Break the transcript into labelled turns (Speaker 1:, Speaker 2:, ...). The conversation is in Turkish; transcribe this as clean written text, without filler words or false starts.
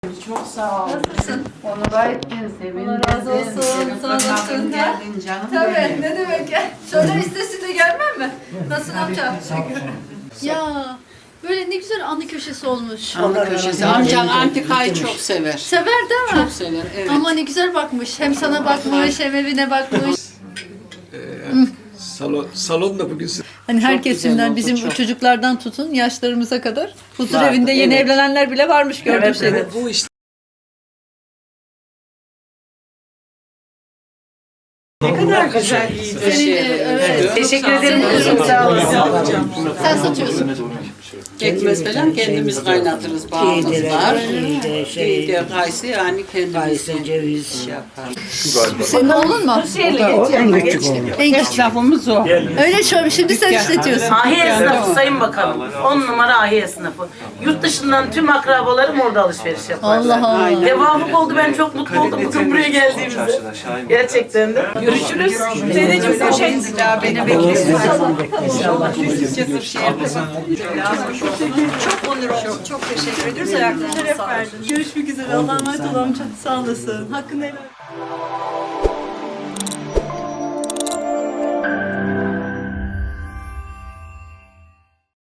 Speaker 1: Çok sağ ol.
Speaker 2: Nasılsın?
Speaker 1: Onu gayetken sevindim.
Speaker 2: Allah razı olsun. Sağ olasın.
Speaker 1: Geldin canım
Speaker 2: Tabii,
Speaker 1: benim.
Speaker 2: ne demek ya? Söyler istesin de gelmem mi? Nasılsın amca? Ya, böyle ne güzel anı köşesi olmuş.
Speaker 1: Anı köşesi. Amcan antikayı çok sever.
Speaker 2: Sever değil mi?
Speaker 1: Çok sever, evet.
Speaker 2: Ama ne güzel bakmış. Hem sana bakmış, hem evine bakmış.
Speaker 3: Salon da bugün
Speaker 2: Hani
Speaker 1: güzel
Speaker 2: herkesinden,
Speaker 1: oldu,
Speaker 2: bizim
Speaker 1: çok.
Speaker 2: çocuklardan tutun yaşlarımıza kadar. Huzur
Speaker 1: Vardı,
Speaker 2: evinde yeni
Speaker 1: evet.
Speaker 2: evlenenler bile varmış gördüğüm şeyde.
Speaker 3: bu işte
Speaker 1: Ne kadar güzel bir şey.
Speaker 2: Evet.
Speaker 1: Teşekkür ederim kızım, sağ olasın.
Speaker 2: Sen satıyorsun.
Speaker 1: Pekmez falan kendimiz kaynatırız, bağımız var. Şey, kayısı yani kendimiz
Speaker 4: ceviz.
Speaker 2: Senin oğlun mu?
Speaker 4: En küçük oğlum.
Speaker 2: En küçük.
Speaker 1: Esnafımız o.
Speaker 2: Öyle şöyle, şimdi sen işletiyorsun.
Speaker 5: Ahi esnafı Sayın Bakanım. 10 numara ahi esnafı. Yurt dışından tüm akrabalarım orada alışveriş yapar.
Speaker 2: Allah Allah.
Speaker 5: Devamlık oldu, ben çok mutlu oldum bugün buraya geldiğimizde. Gerçekten de. Görüşürüz. Dedeciğim poşet. Daha beni bekliyorsun.
Speaker 2: Çok onur oldum. Çok teşekkür ediyoruz. Ayaklarına sağlık. Görüşmek üzere. Allah'a emanet ol amca. Sağ olasın. Hakkını helal.